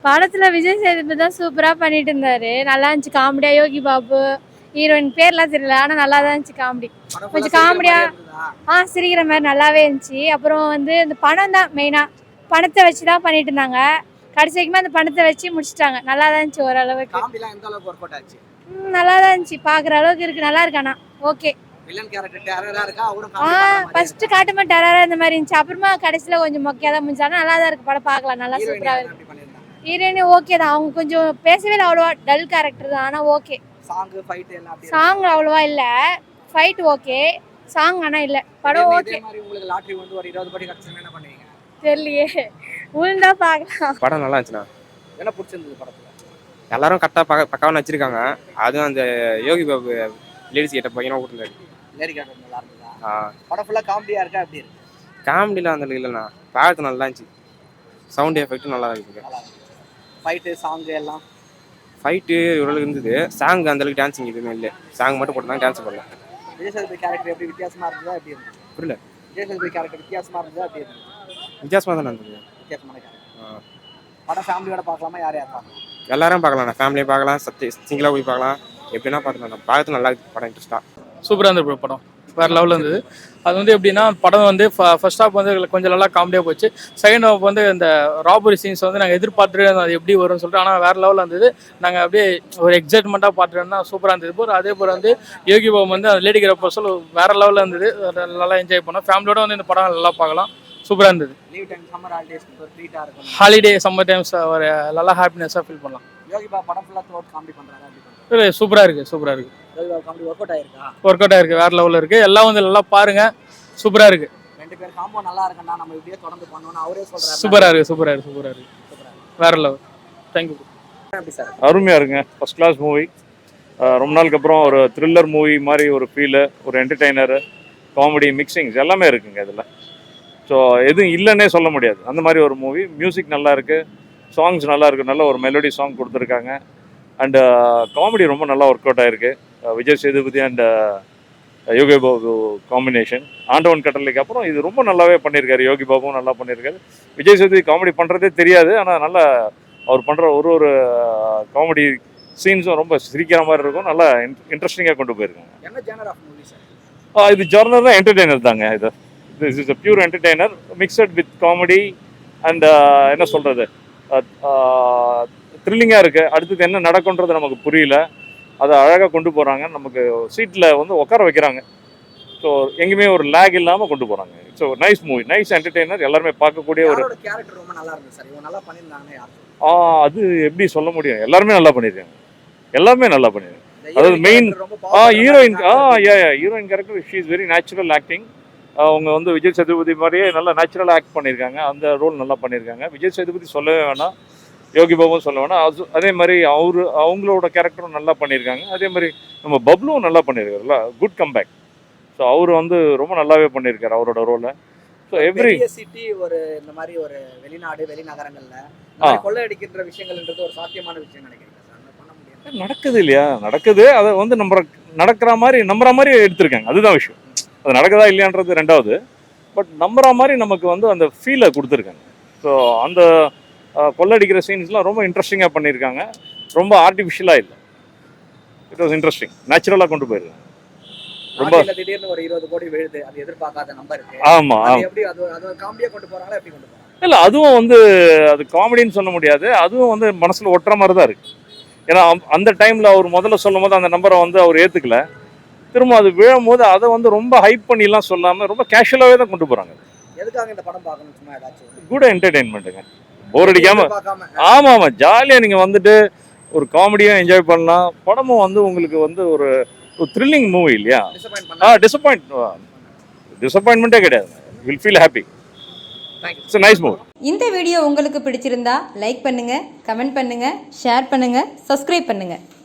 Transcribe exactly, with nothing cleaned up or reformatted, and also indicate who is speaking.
Speaker 1: படத்துல விஜய் சேதுபதி தான் சூப்பரா பண்ணிட்டு இருந்தாரு. நல்லா இருந்துச்சு காமெடியா. யோகி பாபு ஹீரோயின் பேர்லாம் தெரியல, ஆனா நல்லா தான் இருந்துச்சு காமெடி. கொஞ்சம் காமெடியா ஆ சிரிக்கிற மாதிரி நல்லாவே இருந்துச்சு. அப்புறம் வந்து இந்த பணம் தான் மெயினா, பணத்தை வச்சு தான் பண்ணிட்டு இருந்தாங்க. கடைசி வரைக்குமே அந்த பணத்தை வச்சு முடிச்சிட்டாங்க. நல்லா தான் இருந்துச்சு ஓரளவுக்கு. நல்லா தான் இருந்துச்சு, பாக்குற அளவுக்கு இருக்கு. நல்லா இருக்கு. ஆனா ஓகே. ஃபர்ஸ்ட் காட்டுமா டெரரா இந்த மாதிரி இருந்துச்சு. அப்புறமா கடைசியில கொஞ்சம் மொக்கையா தான் முடிஞ்சாலும் நல்லா தான் இருக்கு படம். பார்க்கலாம், நல்லா சூப்பரா இருக்கு. ஹீரோயின் ஓகே தான். அவங்க கொஞ்சம் பேசவே இல்லை அவ்வளோவா, டல் கேரக்டர் தான். ஆனால் ஓகே. சாங் அவ்வளோவா இல்லை, ஃபைட் ஓகே, சாங் ஆனால் இல்லை. படம் ஓகே. தெரியலையே, உளுந்தா பார்க்கலாம்.
Speaker 2: படம் நல்லா இருந்துச்சுண்ணா. என்ன பிடிச்சிருந்தது படத்தில்? எல்லாரும் கரெக்டாக பக்க பக்காவாக நடிச்சிருக்காங்க. அதுவும் அந்த யோகி பாபு லேடிஸ் கிட்ட பையனா கூட்டிருந்தாரு. லேடி கேரக்டர் நல்லா இருந்ததா? ஆ. படம் ஃபுல்லாக காமெடியாக இருக்கா எப்படி இருக்கு? காமெடியில் அந்த இல்லைண்ணா, பார்த்து நல்லா இருந்துச்சு. சவுண்ட் எஃபெக்ட்டும் நல்லா இருக்குது. ஃபைட்டு சாங்கு எல்லாம் ஃபைட்டு ஓரளவுக்கு இருந்தது. சாங் அந்தளவுக்கு டான்ஸிங் எதுவுமே இல்லை. சாங் மட்டும் போட்டு டான்ஸ் பண்ணல. விஜய் சேதுபதி கேரக்டர் எப்படி வித்தியாசமாக இருந்ததா எப்படி இருந்தது? புரியல. விஜய் சேதுபதி கேரக்டர் வித்தியாசமாக இருந்ததா எப்படி இருந்தது? வித்தியாசமாக தான் இருந்தது. வித்தியாசமான கேரக்டர். படம் ஃபேமிலியோட பார்க்கலாமா, யார் யார் பார்க்கலாம்? எல்லாரும் பார்க்கலாம். ஃபேமிலியை பார்க்கலாம், சத்தி சிங்கிளாக போய் பார்க்கலாம், எப்படின்னா பார்த்துக்கலாம். பார்த்து நல்லா இருக்குது படம். இன்ட்ரெஸ்ட்டாக
Speaker 3: சூப்பராக இருந்தது படம். வேறு லெவலில் இருந்தது. அது வந்து எப்படின்னா படம் வந்து ஃபர்ஸ்ட் ஹாஃப் வந்து கொஞ்சம் நல்லா காமெடியாக போச்சு. செகண்ட் ஹாஃப் வந்து இந்த ராபரி சீன்ஸ் வந்து நாங்கள் எதிர்பார்த்துட்டு அது எப்படி வரும்னு சொல்லிட்டு, ஆனால் வேறு லெவலில் இருந்தது. நாங்கள் அப்படியே ஒரு எக்ஸைட்மெண்ட்டாக பார்த்துட்டு தான் சூப்பராக இருந்தது. போகிற அதே போல் வந்து யோகி பாபு வந்து அந்த லேடி கிரப்போ சொல்ல வேறு லெவலில் இருந்தது. நல்லா என்ஜாய் பண்ணோம். ஃபேமிலியோட வந்து இந்த படம் நல்லா பார்க்கலாம். சூப்பராக இருந்தது. ஹாலிடே சம்மர் டைம்ஸ் ஒரு நல்லா ஹாப்பினஸாக ஃபீல் பண்ணலாம். யோகி பாபு படம் ஃபுல்லாக த்ரூ அவுட் காமெடி பண்ணுறாங்க. இல்லை சூப்பராக இருக்குது, சூப்பராக இருக்குது. ஒர்க் அவுட் ஆயிருக்கு. ஒர்க் அவுட் ஆயிருக்கு, வேற லெவலில் இருக்குது. எல்லாம் வந்து நல்லா பாருங்க, சூப்பராக இருக்குது. ரெண்டு பேர் காம்போ நல்லா இருக்குன்னா நம்ம இப்படியே தொடர்ந்து பண்ணணும்னு அவரே சொல்றாரு. சூப்பராக இருக்குது, சூப்பராக இருக்குது, சூப்பராக இருக்குது, வேற லெவல். தேங்க்யூ.
Speaker 4: அருமையாக இருக்குங்க. First class movie. ரொம்ப நாளுக்கு அப்புறம் ஒரு த்ரில்லர் மூவி மாதிரி ஒரு ஃபீலு, ஒரு என்டர்டெய்னரு, காமெடி மிக்சிங்ஸ் எல்லாமே இருக்குங்க இதில். ஸோ எதுவும் இல்லைன்னே சொல்ல முடியாது, அந்த மாதிரி ஒரு மூவி. மியூசிக் நல்லா இருக்குது, சாங்ஸ் நல்லா இருக்குது, நல்ல ஒரு மெலோடி சாங் கொடுத்துருக்காங்க. அண்டு காமெடி ரொம்ப நல்லா ஒர்க் அவுட் ஆகிருக்கு. Vijay Sethupathi and Yogi Babu combination. ஆண்டவன் கட்டளைக்கு அப்புறம் இது ரொம்ப நல்லாவே பண்ணியிருக்காரு. யோகி பாபுவும் நல்லா பண்ணியிருக்காரு. விஜய் சேதுபதி காமெடி பண்ணுறதே தெரியாது, ஆனால் நல்லா அவர் பண்ணுற ஒரு ஒரு காமெடி சீன்ஸும் ரொம்ப சிரிக்கிற மாதிரி இருக்கும். நல்லா இன்ட்ரெஸ்டிங்காக கொண்டு போயிருக்காங்க. இது ஜார்னர்னா என்டர்டெய்னர் தாங்க. இது this is a pure entertainer mixed with comedy and என்ன சொல்கிறது, த்ரில்லிங்காக இருக்குது. அடுத்தது என்ன நடக்குன்றது நமக்கு புரியல, அதை அழகாக கொண்டு போகிறாங்க. நமக்கு சீட்டில் வந்து உட்கார வைக்கிறாங்க. ஸோ எங்கேயுமே ஒரு லேக் இல்லாமல் கொண்டு போகிறாங்க. இட்ஸ் ஒரு நைஸ் மூவி, நைஸ் என்டர்டெய்னர், எல்லாருமே பார்க்கக்கூடிய ஒரு
Speaker 5: கேரக்டர் ரொம்ப நல்லா இருந்துச்சு சார். இவங்க நல்லா பண்ணியிருந்தாங்க.
Speaker 4: ஆ அது எப்படி சொல்ல முடியும், எல்லாருமே நல்லா பண்ணியிருக்காங்க. எல்லாமே நல்லா பண்ணியிருக்காங்க. அதாவது main uh heroine uh yeah yeah heroine character she is very natural acting. அவங்க வந்து விஜய் சேதுபதி மாதிரியே நல்லா நேச்சுரலாக ஆக்ட் பண்ணியிருக்காங்க. அந்த ரோல் நல்லா பண்ணியிருக்காங்க. விஜய் சேதுபதி சொல்லவே வேணாம், யோகி பாபுவும் சொல்ல வேணாம். அது அதே மாதிரி அவரு அவங்களோட கேரக்டரும் நல்லா பண்ணியிருக்காங்க. அதே மாதிரி நம்ம பப்ளுவும் நல்லா பண்ணியிருக்காருல்ல, குட் கம்பேக். ஸோ அவர் வந்து ரொம்ப நல்லாவே பண்ணியிருக்காரு அவரோட ரோலை. ஸோ எவ்ரி
Speaker 5: சிட்டி ஒரு இந்த மாதிரி ஒரு வெளிநாடு வெளிநகரங்களில் கொள்ளையடிக்கின்ற விஷயங்கள்ன்றது ஒரு சாத்தியமான விஷயம் நினைக்கிறீங்க சார்? பண்ண முடியாது,
Speaker 4: நடக்குது இல்லையா? நடக்குது. அதை வந்து நம்ம நடக்கிற மாதிரி நம்புற மாதிரி எடுத்திருக்காங்க. அதுதான் விஷயம். அது நடக்குதா இல்லையான்றது ரெண்டாவது. பட் நம்புற மாதிரி நமக்கு வந்து அந்த ஃபீலை கொடுத்துருக்காங்க. ஸோ அந்த கொள்ளடிக்கிற சீன்ஸ்லாம் ரொம்ப இன்ட்ரெஸ்டிங்காக பண்ணியிருக்காங்க. ரொம்ப ஆர்டிஃபிஷியலாக இல்லை. இட் வாஸ் இன்ட்ரெஸ்டிங், நேச்சுரலாக கொண்டு போயிருக்காங்க. ரொம்ப
Speaker 5: திடீர்னு ஒரு இருபது கோடி விழுது, அது எதிர்பார்க்காத நம்பர் இருக்கு.
Speaker 4: ஆமாம்,
Speaker 5: எப்படி அது அது காமெடியாக கொண்டு போகிறாங்களா, எப்படி கொண்டு போகிறாங்க?
Speaker 4: இல்லை அதுவும் வந்து அது காமெடின்னு சொல்ல முடியாது. அதுவும் வந்து மனசில் ஒட்டுற மாதிரி தான் இருக்குது. ஏன்னா அந்த டைமில் அவர் முதல்ல சொல்லும் போது அந்த நம்பரை வந்து அவர் ஏற்றுக்கல. திரும்ப அது விழும் போது அதை வந்து ரொம்ப ஹைப் பண்ணிலாம் சொல்லாமல் ரொம்ப கேஷுவலாகவே தான் கொண்டு போகிறாங்க.
Speaker 5: எதுக்காக இந்த படம் பார்க்கணும்? சும்மா ஏதாச்சும்
Speaker 4: கூட என்டர்டெயின்மெண்ட்டுங்க, போர் அடிக்காம. ஆமாம் ஆமாம், ஜாலியாக நீங்கள் வந்துட்டு ஒரு காமெடியும் என்ஜாய் பண்ணலாம். படமும் வந்து உங்களுக்கு வந்து ஒரு ஒரு த்ரில்லிங் மூவி இல்லையா? ஆ டிசப்பாயிண்ட் டிசப்பாயின்மெண்ட்டே கிடையாது. Will feel happy. It's a nice movie.
Speaker 6: இந்த வீடியோ உங்களுக்கு பிடிச்சிருந்தா லைக் பண்ணுங்க, கமெண்ட் பண்ணுங்க, ஷேர் பண்ணுங்க, சப்ஸ்கிரைப் பண்ணுங்க.